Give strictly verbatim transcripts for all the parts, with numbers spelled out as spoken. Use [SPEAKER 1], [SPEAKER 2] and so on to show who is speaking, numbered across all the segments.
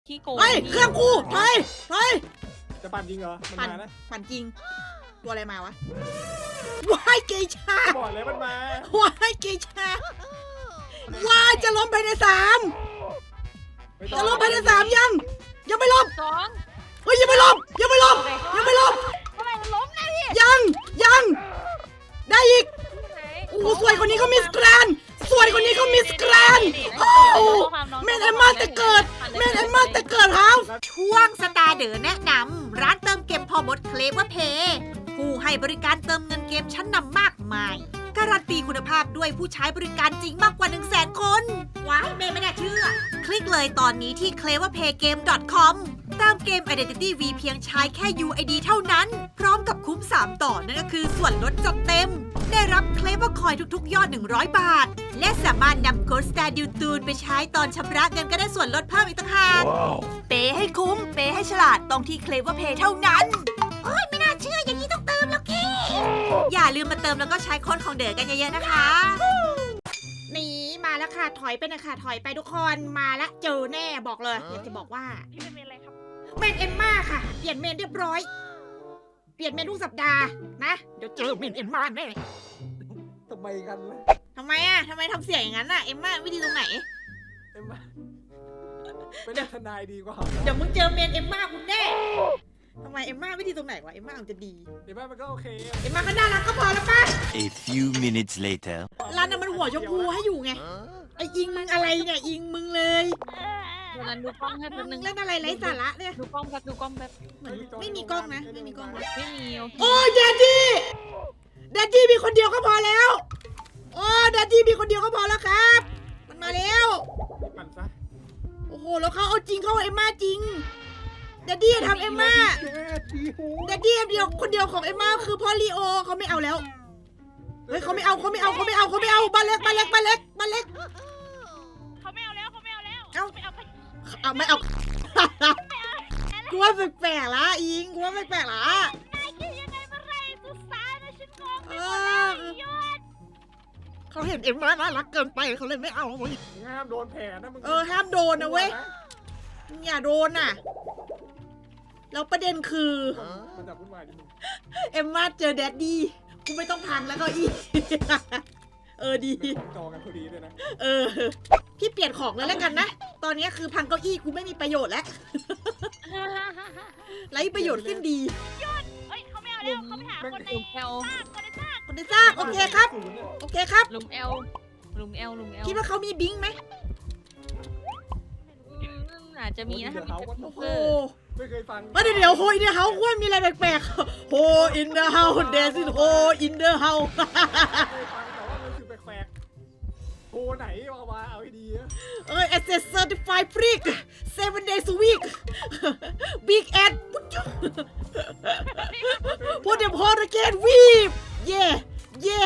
[SPEAKER 1] ขี้โกง
[SPEAKER 2] เฮ้ยเครื่องกูถอยถอย
[SPEAKER 3] จะปั่นจริงเหรอมัน
[SPEAKER 2] ปั่น
[SPEAKER 3] มานะ
[SPEAKER 2] ปั่นจริงตัวอะไรมาวะว้ายเกชา
[SPEAKER 3] บอกเลยมันมา
[SPEAKER 2] ว้ายเกชาว้ายจะล้มภายในสาม
[SPEAKER 3] ไม่ต้
[SPEAKER 2] จะ
[SPEAKER 3] อง
[SPEAKER 2] ล้มภายในสามยังยังไม่ล้ม
[SPEAKER 1] สอง
[SPEAKER 2] เฮ้ยยังไม่ล้มยังไม่ล้มยังไม่ล้ม
[SPEAKER 1] ทำไมมันล้มนะพี่
[SPEAKER 2] ยังยังได้อีก
[SPEAKER 1] ไหน
[SPEAKER 2] โอ้โหสวยคนนี้ก็มิสแกรนด์สวยคนนี้ก็มิสแกรนด์โอ้โหแม่นแอนมาแต่เกิดแม่นแอนมาแต่เกิดครับช่วงสตาร์เดอแนะนำร้านเติมเกมพอมดเคลเวอร์เพย์ผู้ให้บริการเติมเงินเกมชั้นนำมากมายการันตีคุณภาพด้วยผู้ใช้บริการจริงมากกว่า หนึ่งแสน คนว้ายแม่ไม่น่าเชื่อ คลิกเลยตอนนี้ที่ เคลเวอร์เพย์เกม ดอท คอม เติมเกม Identity V เพียงใช้แค่ ยู ไอ ดี เท่านั้น พร้อมกับคุ้ม สาม ต่อนั่นก็คือส่วนลดจัดเต็ม ได้รับเคลเวอร์คอยทุกๆ ยอด หนึ่งร้อย บาท และสามารถนำโค้ดสตาร์ดิวตูนไปใช้ตอนชำระเงินก็ได้ส่วนลดเพิ่มอีกต่างหากเปย์ให้คุ้ม เปย์ให้ฉลาดต้องที่ เคลเวอร์เพย์ เท่านั้นโอ้ยไม่น่าเชื่ออย่างนี้ต้องเติมแล้วกี้อย่าลืมมาเติมแล้วก็ใช้โค้ดของเด๋อกันเยอะๆนะคะนี่มาแล้วค่ะถอยไปนะคะถอยไปทุกคนมาละเจอแน่บอกเลยอยากจะบอกว่า
[SPEAKER 1] พี่เป็นเมนอะไรครับ
[SPEAKER 2] เมนเอ็มมาค่ะ เปลี่ยนเมนเรียบร้อย เปลี่ยนเมนทุกสัปดาห์นะ เดี๋ยวเจอเมนเอ็มมาแน่
[SPEAKER 3] ทำไมกันล่ะ
[SPEAKER 2] ทำไมอ่ะทำไมทำเสียงอย่างนั้นอ่ะ เอ็มมาวิธีตรงไหน
[SPEAKER 3] เอ็มมาเป็นเรื่องทนายดีกว่า
[SPEAKER 2] เดี๋ยวมึงเจอเมนเอ็มมาคุณแน่ทำไมเอ็มมาวิธีตรงไหนวะ เอ็มมามันจะดี
[SPEAKER 3] เอ็มมามันก็โอเค
[SPEAKER 2] เอ็มมาก็น่ารักก็พอแล้วป่ะ
[SPEAKER 4] A few minutes later.
[SPEAKER 2] ร้านน่ะมันหัวชมพูให้อยู่ไง ไอ้อิงมึงอะไรเนี่ยอิงมึงเลย
[SPEAKER 1] เดี๋ยวนั้นดูกล้องให้แป๊บนึง
[SPEAKER 2] เล่นอะไรไร้สาระเนี่ย
[SPEAKER 1] ดูกล้องแป๊บดูกล้องแป๊บ
[SPEAKER 2] เหมือนไม่มีกล้องนะ ไม่มีกล้องนะ
[SPEAKER 1] ไม่มีโอเค
[SPEAKER 2] โอ้แดดดี้แดดดี้มีคนเดียวก็พอแล้ว โอ้แดดดี้มีคนเดียวก็พอแล้วครับ มันมาแล้ว
[SPEAKER 3] ปั่นซะ
[SPEAKER 2] โอ้โห แล้วเขาเอาจริงเขาเอาเอ็มม่าจริงแดดดี้ทำเอ็มม่าแดดดี้เดียวคนเดียวของเอ็มม่าคือพ่อลีโอเขาไม่เอาแล้ว เฮ้ยเขาไม่เอาเขาไม่เอาเขาไม่เอาเขาไม่เอาบ้านเล็กบ้านเล็กบ้านเล็กบ้านเล็ก
[SPEAKER 1] เขาไม่เอาแล้วเขาไม่เอาแล้ว
[SPEAKER 2] เอ้า
[SPEAKER 1] ไม่เอาไป
[SPEAKER 2] เอาไม่เอากูว่าแปลกๆละอิงกูว่าแปลกๆละ
[SPEAKER 1] นายคิดยังไงเมื่อไรสุดสายนะฉันงงไปหมดแล้วยอด
[SPEAKER 2] เขาเห็นเอ็มม่าน่ารักเกินไปเขาเลยไม่เอาเว้ย
[SPEAKER 3] ห้ามโดนแผลนะมึง
[SPEAKER 2] เออห้ามโดนนะเว้ยอย่าโดนน่ะแล้วประเด็นคือ
[SPEAKER 3] มันจะวุ่นวายนิดนึง
[SPEAKER 2] เอ็มม่าเจอแดดดี้กูไม่ต้องพังแล้วก็อีเออดี
[SPEAKER 3] เป็นของจอกันพอดีด้วยนะ
[SPEAKER 2] เออพี่เปลี่ยนของเลยแล้วกันนะ ตอนนี้คือพังเก้าอี้กูไม่มีประโยชน์แล้วไร้ประโยชน์สิ้นดี
[SPEAKER 1] เฮ้ยเขาไม่เอาแล้วเขาไปหาคนในลุมเอลซากคนในซาก
[SPEAKER 2] คนได้ทราบโอเคครับ
[SPEAKER 3] ศูนย์เนี่ย
[SPEAKER 2] โอเคครับ
[SPEAKER 1] ลุมเอลลุมเอลลุมเอล
[SPEAKER 2] คิดว่าเขามีบิงไหม
[SPEAKER 1] อาจจะมีนะถ้ามี
[SPEAKER 2] โอ้โห
[SPEAKER 1] เออ
[SPEAKER 3] ไม่เคยฟัง
[SPEAKER 2] เดี๋ยวเดี๋ยวโฮอินเดอร์เฮาส์ว่ามีอะไรแปลกๆโฮอินเดอร์เฮาส์เดซิโฮอินเดอร์เฮาส์
[SPEAKER 3] ไม่เคยฟังแต่ว่ามันคือแปลกๆโทรไหนเอามาเอาให้ดีนะ
[SPEAKER 2] เอ้ย Access Certified Freak seven days a week Big Ad พูดเดี๋ยวพอตะเกนวีบเย่เย่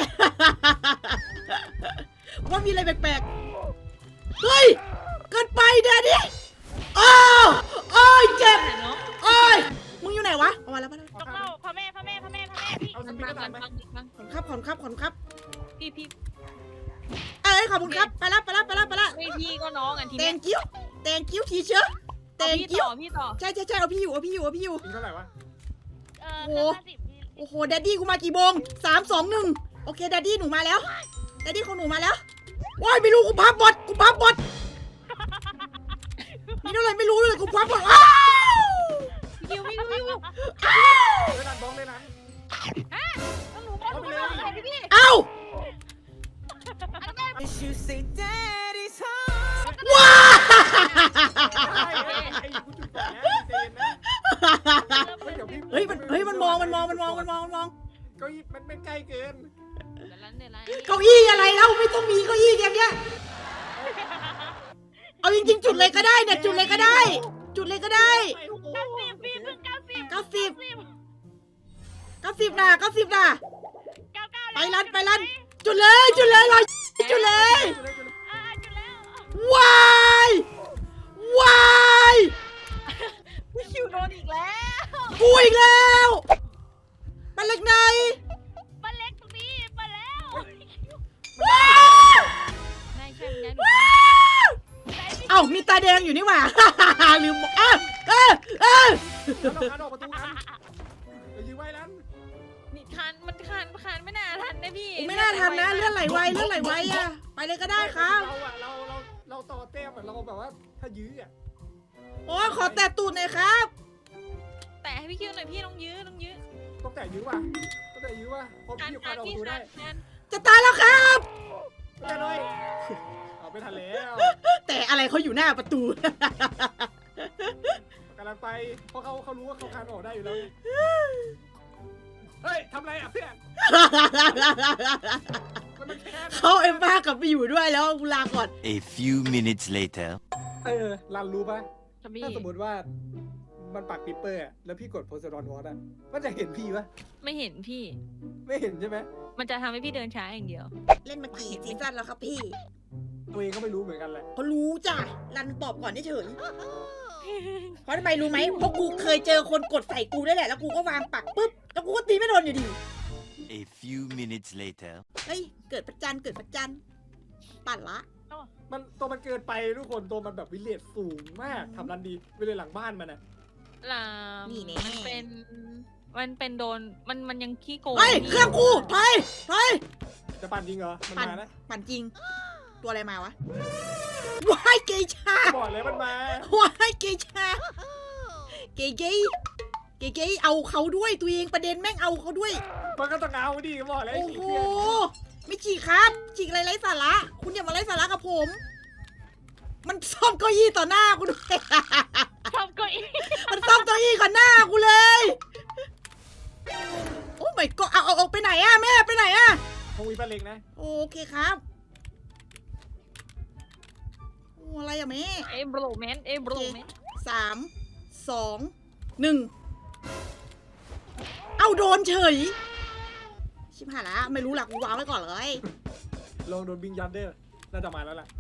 [SPEAKER 2] ว่ามีอะไรแปลกๆเฮ้ยเกินไปเดี๋ยวนี้อ้าวโอ้ยเจ็บ
[SPEAKER 1] ไหนเนาะ
[SPEAKER 2] โอ้ยมึงอยู่ไหนวะเอามาแล้วมาแล้ว
[SPEAKER 1] ต้องเล่าพ่อแม่พ่อแม่พ่อแม่พ่อแม่พี่
[SPEAKER 3] เอาส
[SPEAKER 1] มัน
[SPEAKER 3] ปี
[SPEAKER 1] มา
[SPEAKER 3] ด
[SPEAKER 1] กั
[SPEAKER 3] กัน นไหม
[SPEAKER 1] ฟังฟัง
[SPEAKER 2] ขอนครับขอนครับขอนครับ
[SPEAKER 1] พี่พี่
[SPEAKER 2] เอ้ยขอบคุณครับไปละไปละไปละไปละ
[SPEAKER 1] ไม่พี่ก็น้องอันที
[SPEAKER 2] แต
[SPEAKER 1] เนี้ย
[SPEAKER 2] งกิ้วแตงกิ้วทีเชื้อแตง
[SPEAKER 1] พี่
[SPEAKER 2] กิ้ว
[SPEAKER 1] ต่อพี่ต่อ
[SPEAKER 2] ใช่ใช่ใช่เอาพี่อยู่เอาพี่อยู่เอาพี่อยู่
[SPEAKER 3] กินเท่าไหร่วะ
[SPEAKER 1] เออ
[SPEAKER 2] โอ้
[SPEAKER 1] ห้าสิบพี่
[SPEAKER 2] โอ้โหแดดดี้กูมากี่โมงสามสองหนึ่งโอเคแดดดี้หนูมาแล้วแดดดี้ของหนูมาแล้วว้ายไม่รู้กูพับบอดกูพับบอดมีเท่าไหร่ไม่รู้เลยกูพับบอดอ้าว
[SPEAKER 1] พี่วิวพี่วิว
[SPEAKER 3] เล่นนันบ้องเล่นนัน
[SPEAKER 1] ต้องหนูบอกหนูบอกอะไรพี่พี่
[SPEAKER 2] เอ้า
[SPEAKER 1] อันนั้นแม่
[SPEAKER 2] ว้า
[SPEAKER 3] ไอ้ไอ้กูจุดแผลเจนนะเฮ้ยเดี๋ยวพี่
[SPEAKER 2] เฮ้ยมันเฮ้ยมันมองมันมองมันมองมันมองมันมอง
[SPEAKER 3] เก้าอี้มันเป็นใกล้เกิน
[SPEAKER 1] เดี๋ยวร้านเดี๋ยวร้าน
[SPEAKER 2] เก้าอี้อะไรแล้วไม่ต้องมีเก้าอี้อย่างเงี้ยเอาจริงๆจุดเลยก็ได้เนี่ยจุดเลยก็ได้ จุดเลยก็ได้
[SPEAKER 3] ไอ้โอ้โห
[SPEAKER 1] เก้าสิบพี่เพิ่งเก้าสิบ
[SPEAKER 2] เก้าสิบ
[SPEAKER 1] สิบ
[SPEAKER 2] เก้าสิบนะเก้าสิบนะ
[SPEAKER 1] เก้าเก้า
[SPEAKER 2] ไปรันไปรันจุดเลยจุดเลยรอจุดเลย
[SPEAKER 1] อ่าจุดแล้ว
[SPEAKER 2] ว้ายวาย
[SPEAKER 1] พี่คิวโดนอีกแล้ว
[SPEAKER 2] กูอีกแล้วบ้านเล็กไหน
[SPEAKER 1] บ้านเล็กตรงนี้มาแล้ว
[SPEAKER 2] ว้าว
[SPEAKER 1] นายใช่ไหม
[SPEAKER 2] ว้าวเอ้ามีตาแดงอยู่นี่หว่า ลืมบอกเอ้า
[SPEAKER 3] านออกประตูกันไปยื้อไว้ลัน
[SPEAKER 5] นี่คันมันคันคันไม่น่าทันนะพี่
[SPEAKER 2] ไม่น่าทันนะเลื่อนไหลไวเลื่อนไหลไวอะไปเลยก็ได้ครับ
[SPEAKER 3] เราอะเราเราเราต่อเต้มอะเราแบบว่าถ้ายื้ออะ
[SPEAKER 2] โอ้ขอแตะตูดหน่อยครับ
[SPEAKER 5] แต่ให้พี่คิวหน่อยพี่ต้องยื้อต้องยื้อ
[SPEAKER 3] ต้องแต่ยื้อว่ะต้องแต่ยื้อว่ะเพราะ
[SPEAKER 5] คัน
[SPEAKER 3] พี่
[SPEAKER 5] คั
[SPEAKER 3] พาน ออกป
[SPEAKER 5] พี่
[SPEAKER 3] ระตู
[SPEAKER 5] คั
[SPEAKER 3] ได้
[SPEAKER 5] นคัน
[SPEAKER 2] จะตายแล้วครับ
[SPEAKER 3] ไม่ได้ด้วยเอาไปทันแล้ว
[SPEAKER 2] แต่อะไรเขาอยู่หน้าประตู
[SPEAKER 3] กำลังไปเพราะเขาเขารู้ว่าเขาคานออกได้อยู่แล้วเฮ้ยทำไรอ่ะเพื่อนมันมันแค่
[SPEAKER 2] เขาเอ็มบ้ากลับไปอยู่ด้วยแล้วกูลาก่อน
[SPEAKER 4] A few minutes later.
[SPEAKER 3] เออรันรู้ปะ
[SPEAKER 5] จะมี
[SPEAKER 3] ถ้าสมมติว่ามันปักปิปเปอร์อะแล้วพี่กดโพสต์ดอนวอตอะมันจะเห็นพี่ปะ
[SPEAKER 5] ไม่เห็นพี่
[SPEAKER 3] ไม่เห็นใช่ไหม
[SPEAKER 5] มันจะทำให้พี่เดินช้าอย่างเดียว
[SPEAKER 2] เล่นมากี่ซีซั่นแล้วครับพี่
[SPEAKER 3] ตัวเองก็ไม่รู้เหมือนกันแหละ
[SPEAKER 2] เขารู้จ้ะรันตอบก่อนเฉยเพราะทำไมรู้ไหมเพราะกูเคยเจอคนกดใส่กูได้แหละแล้วกูก็วางปักปุ๊บแล้วกูก็ตีไม่โดนอยู่ดี
[SPEAKER 4] A few minutes later.
[SPEAKER 2] เฮ้ยเกิดประจันเกิดประจันปั่นละ
[SPEAKER 3] มันตัวมันเกินไปทุกคนตัวมันแบบวิเลตสูงมากทำรันดีวิเลตหลังบ้านมันอะ
[SPEAKER 5] ลามมันเป็น มันเป็นโดน มันมันยังขี้โกง
[SPEAKER 2] เฮ้ยเครื่องกูถอยถอย
[SPEAKER 3] จะปั่นจริงเหรอมัน
[SPEAKER 2] ปั่น
[SPEAKER 3] มานะ
[SPEAKER 2] ปั่นจริง ตัวอะไรมาวะว้ายเกย์ชา
[SPEAKER 3] บอกเลยมันมา
[SPEAKER 2] ว้ายเกย์ชาเกย์เกย์เกย์เกย์เอาเขาด้วยตัวเองประเด็นแม่งเอาเขาด้วย
[SPEAKER 3] มันก็ต้องเอาดิบอกเลย
[SPEAKER 2] โอ้
[SPEAKER 3] ขี้
[SPEAKER 2] โห
[SPEAKER 3] เกียจ
[SPEAKER 2] ไม่ฉีกครับฉีกอะไรไร้สาระ คุณอย่ามาไร้สาระกับผม มันซ่อมเก้าอี้ต่อหน้ากูด้วย
[SPEAKER 1] ทำเก็อี
[SPEAKER 2] มันซ่อมเก้าอี้ก่อนหน้ากูเลย โอ้ไม่ก็เอาเอาเอาไปไหนอะแม่ไปไหนอะ
[SPEAKER 3] คงมีปลาเล็กนะ
[SPEAKER 2] โอเคครับโอ้อะไรอะแม่
[SPEAKER 5] เอ้บลูแมนเอ้บลูแมน
[SPEAKER 2] สามสองหนึ่งเอาโดนเฉย ชิบหายละไม่รู้หลักกูวางไว้ก่อนเลย
[SPEAKER 3] ลองโดนบิงยันเดอร์น่าจะมาแล้วล่ะ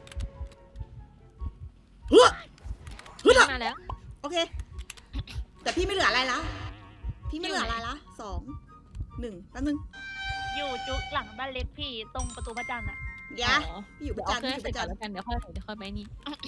[SPEAKER 2] เฮ้ยเฮ้ย
[SPEAKER 5] มาแล้ว
[SPEAKER 2] โอเค แต่พี่ไม่เหลืออะไรละพี่ไม่เหลืออะไรละสองหนึ่งแป๊บนึง
[SPEAKER 1] อยู่จุกหลังบ้านเล็กพี่ตรงประตูพระจันทร์อะ
[SPEAKER 2] เดี๋ยวพี่อยู่ประ
[SPEAKER 5] เอา
[SPEAKER 2] จัน
[SPEAKER 5] เครื่อง
[SPEAKER 2] พี่อ
[SPEAKER 5] ใส่
[SPEAKER 2] ยู่ประ
[SPEAKER 5] ก่
[SPEAKER 2] จั
[SPEAKER 5] อน
[SPEAKER 2] น
[SPEAKER 5] แล้วกันเดี๋ยวค่อยเดี๋ยวค่อยไปนี่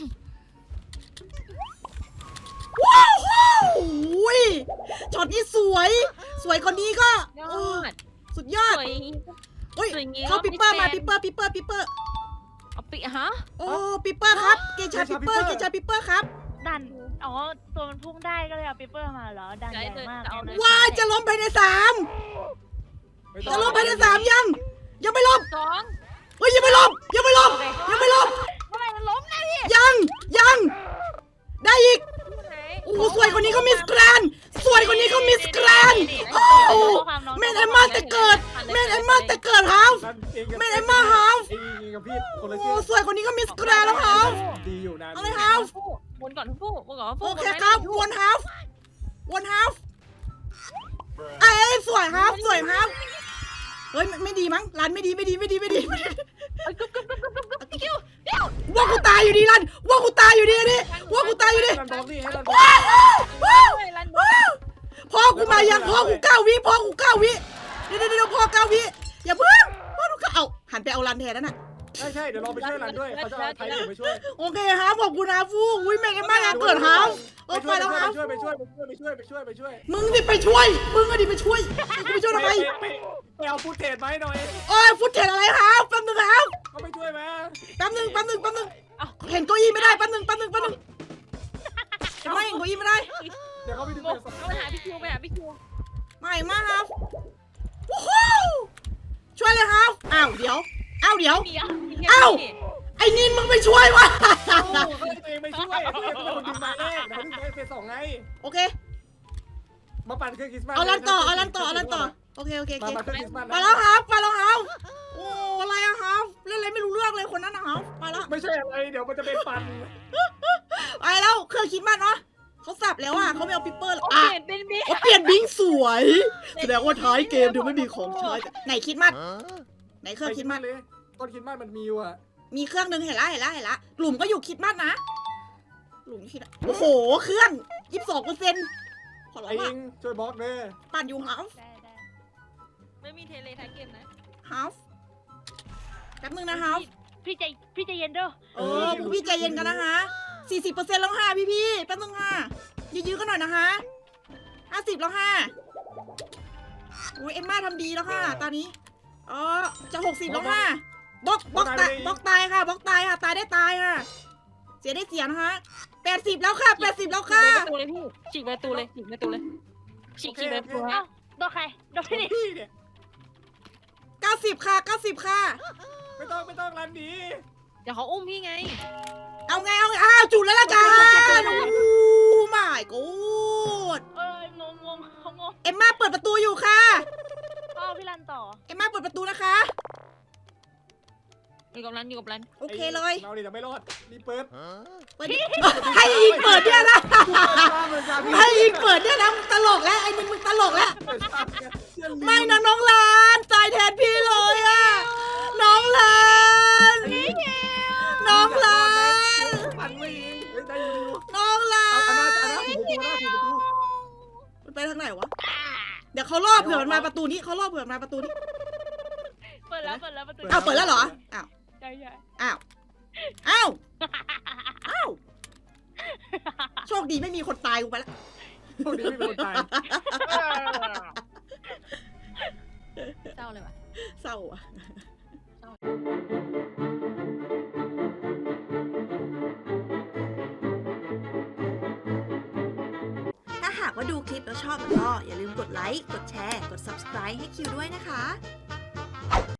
[SPEAKER 2] ว้าวว้าวอุ้ยช็อตนี้สวย สวยคนนี้ก็
[SPEAKER 5] ยอ
[SPEAKER 2] โอ้
[SPEAKER 5] ด
[SPEAKER 2] สุดยอ
[SPEAKER 5] ส
[SPEAKER 2] ด
[SPEAKER 5] วย
[SPEAKER 2] โอ้ย
[SPEAKER 5] สวยงี้
[SPEAKER 2] เข้าปิปเปอร์มา
[SPEAKER 5] ไม่
[SPEAKER 2] ปิปเปอร์ปิปเปอร์ปิปเปอร์
[SPEAKER 5] เอาปิฮะ
[SPEAKER 2] โอ้ปิปเปอร์ครับ เกชาปิปเปอร์ เกชาปิปเปอร์ครับ
[SPEAKER 1] ดันอ๋อตัวมันพุ่งได้ก็เลยเอาปิปเปอร์มาเหรอดันแรงมากเลย
[SPEAKER 2] ว้ายจะล้มภายในสาม
[SPEAKER 3] ไม่ต้อ
[SPEAKER 2] จะ
[SPEAKER 3] ง
[SPEAKER 2] ล้มภายในสามยัง ยังไม่ล้ม
[SPEAKER 5] สอง
[SPEAKER 2] เฮ้ยยังไม่ล้มยังไม่ล้มยังไม่ล้ม
[SPEAKER 1] เมื่อไหร่มันล้มนะพี่
[SPEAKER 2] ยังยังได้อีก
[SPEAKER 5] ไหน
[SPEAKER 2] โอ้โหสวยคนนี้ก็มิสแกรนด์สวยคนนี้ก็มิสแกรนด์โอ้โหแม่นไอ้มาแต่เกิดแม่นไอ้มาแต่เกิดฮาว
[SPEAKER 3] นั่นเองกับ
[SPEAKER 2] ไม่ได้มาฮาว
[SPEAKER 3] เองกับพี่คนละ
[SPEAKER 2] โอ้
[SPEAKER 3] ชื่อ
[SPEAKER 2] สวยคนนี้ก็มิสแกรนด์แล้วฮาว
[SPEAKER 3] ดีอยู่นะ
[SPEAKER 2] เอาเลยฮาว
[SPEAKER 5] วนก่อนทุกผู้วนก่อนทุก
[SPEAKER 2] โอ
[SPEAKER 5] ผู้
[SPEAKER 2] เคครับวนฮาววนฮาวเอ้ยสวยฮาวสวยฮาวเฮ้ยไม่ไม่ดีมั้งรันไม่ดีไม่ดีไม่ดีไม่ดีไม่ดี
[SPEAKER 5] เอ้ยกึ๊บกึ๊บกึ๊บกึ๊บกึ๊บกึ๊บคิวเดี๋ยว
[SPEAKER 2] ว่ากูตายอยู่ดีรันว่ากูตายอยู่ดีนี่ว่ากูตายอยู่ดี
[SPEAKER 3] ให้รันบล็อกดิให้รันบล็อก
[SPEAKER 2] ว้าวว้าว
[SPEAKER 5] เฮ้ยรัน
[SPEAKER 2] ว้าวพ่อกูมายังพ่อกูเก้าวิพ่อกูเก้าวิเดี๋ยวเดี๋ยวเดี๋ยวพ่อเก้าวิอย่าเพิ่งพ่อกูเก้าเอาหันไปเอารันแทนนั่นน่ะ
[SPEAKER 3] ใช่ใช่เดี๋ยวเราไปช่วยรันด้วยเขาจะเอาไทยอยู่ไปช่วย
[SPEAKER 2] โอเคฮาวขอบคุณฮาวฟูอุ้ยแม่งกันมากนะเกิดฮาวเออไปแล้วฮาว
[SPEAKER 3] ไปช่วยไปช่วยไปช่วยไปช่วยไปช่วยไปช่วย
[SPEAKER 2] มึงสิไปช่วยมึงก็ดิไปช่วยกูไปช่วยทำไม
[SPEAKER 3] ไปไปเอาฟุตเทจมาให้หน่อย
[SPEAKER 2] โอ้ยฟุตเทจอะไรฮาวแป๊บนึงฮาว
[SPEAKER 3] ก็ไปช่วยมา
[SPEAKER 2] แป๊บนึงแป๊บนึงแป๊บนึงเห็นเก้าอี้ไม่ได้แป๊บนึงแป๊บนึงแป๊บนึงเห็นไหมเห็นเก้าอี้ไม่ได้
[SPEAKER 3] เดี๋ยวเขาไปดู
[SPEAKER 5] โมเอาไปหาพี่คิวไปหาพี่คิว
[SPEAKER 2] ไม่มาฮาววู้ฮู้ช่วยเลยฮาวอ้าวเดี๋ยวอ้าวเดี๋ยว
[SPEAKER 5] เดี๋ยว
[SPEAKER 2] เอ้า ไอ้นินมึงไปช่วยวะ
[SPEAKER 3] เขาเองไปช่วยเพื่อนเป็นคนดึงมาแรกเดี๋ยวดึงไปเฟสสองไง
[SPEAKER 2] โอเค
[SPEAKER 3] มาปั่นเครื่องคริสต์มาส
[SPEAKER 2] เอาลันต่อเอาลันต่อเอาลันต่อโอเคโอเคโอ
[SPEAKER 3] มา
[SPEAKER 2] เค
[SPEAKER 3] มาเครื่องคริสต์มาส
[SPEAKER 2] ไปแล้วครับไปแล้วครับโอ้อะไรอะครับเล่นอะไรไม่รู้เรื่องเลยคนนั้นนะครับไปแล้ว
[SPEAKER 3] ไม่ใช่อะไรเดี๋ยวมันจะเป็นปั่น
[SPEAKER 2] ไปแล้วเครื่องคิดมันเนาะเขาสับแล้วอ่ะเขาไม่เอาปิปเปอร์
[SPEAKER 5] โอ
[SPEAKER 2] อ่ะ
[SPEAKER 5] เคเป็นบิ๊ก
[SPEAKER 2] เขาเปลี่ยนบิงสวยแสดงว่าท้ายเกมเดี๋ยวไม่มีของใช้ไหนคิดมัน
[SPEAKER 4] Huh?
[SPEAKER 2] ไหนเครื่องคิดมัน
[SPEAKER 3] เลยต้นคริสต์มาสมันมีอยู่อะ
[SPEAKER 2] มีเครื่องหนึงเห็นละเห็นละเห็นละหลุมก็อยู่คิดมันนะหลุมคิดโอ้โหเครื่องยี่สิบสองเปอร์เซ็นต์ขอร้อ
[SPEAKER 3] ไอ้
[SPEAKER 2] ง
[SPEAKER 3] เอ
[SPEAKER 2] ว่ะ
[SPEAKER 3] งช่วยบล็อกเด้อ
[SPEAKER 2] ปั่นอยู่ฮาฟ
[SPEAKER 1] ได้ได้
[SPEAKER 5] ไม่มีเทเลท้ายเกมนะ
[SPEAKER 2] ฮาฟแป๊บนึงนะฮาฟ
[SPEAKER 1] พี่ใจพี่ใจเย็นเด้อ
[SPEAKER 2] เออพวกพี่ใจเย็นกันนะฮะสี่สิบเปอร์เซ็นต์แล้วค่ะพี่พี่ๆแป๊บนึงค่ะยื้อๆกันหน่อยนะฮะห้าสิบแล้วค่ะโอ้ยเอ็มม่าทำดีแล้วค่ะ ตอนนี้อ๋อจะหกสิบแล้วค่ะบล็อกบล็อกตายบล็อกตายค่ะบล็อกตายค่ะ ตายได้ตายค่ะ เสียได้เสียนะคะแปดสิบแล้วค่ะแปดสิบแล้วค่ะ
[SPEAKER 5] ฉีกประตูเลยพี่ฉีกประตูเลยฉีกประตูเลยฉีกฉีกประตู
[SPEAKER 1] เอ้าโดนใครโดนพี่ดิ
[SPEAKER 3] พี่เนี่ย
[SPEAKER 2] เก้าสิบค่ะเก้าสิบค่ะ
[SPEAKER 3] ไม่ต้องไม่ต้องรันหนี
[SPEAKER 5] เดี๋ยวเขาอุ้มพี่ไง
[SPEAKER 2] เอาไงเอาไงอ้าวจุดแล้วละกันโอ้ไม่กูด
[SPEAKER 1] เอ้ยงงงงเขางง
[SPEAKER 2] เอ็มม่าเปิดประตูอยู่ค่ะ
[SPEAKER 1] พ่อพี่รันต่อ
[SPEAKER 2] เอ็มม่าเปิดประตูนะคะ
[SPEAKER 5] อยู่กับรันอยู่กับรัน
[SPEAKER 2] โอเคเลย
[SPEAKER 3] เราดิจะไม่รอดรีบเปิด
[SPEAKER 2] เปิดให้อิงเปิดเนี่ยนะให้อิงเปิดเนี่ยนะมึงตลกแล้วไอ้มึงมึงตลกแล้วไม่นะน้องลานตายแทนพี่เลยอะน้องลานน้องลาน
[SPEAKER 3] ปันไม่ยิงเฮ้ยได้อยู่
[SPEAKER 2] น้องลา
[SPEAKER 3] เอาอันนั้นอัน
[SPEAKER 2] น
[SPEAKER 3] นั้นถูกประตูนะถูกประตู
[SPEAKER 2] มันไปทางไหนวะเดี๋ยวเขาล่อเผื่อมันมาประตูนี้เขาล่อเผื่อมันมาประตูนี้
[SPEAKER 1] เปิดแล้วเปิดแล้วประตู
[SPEAKER 2] อ้าวเปิดแล้วเหรออ้าว
[SPEAKER 1] ใช่ใช่
[SPEAKER 2] อ้าวอ้าวอ้าวโชคดีไม่มีคนตายกูไปแล้ว
[SPEAKER 3] โชคดีไม่เป็นคนตาย
[SPEAKER 5] เศร้าเลยว่ะ
[SPEAKER 2] เศร้าอ่ะถ้าหากว่าดูคลิปแล้วชอบก็อย่าลืมกดไลค์ กดแชร์ กด ซับสไครบ์ ให้คิวด้วยนะคะ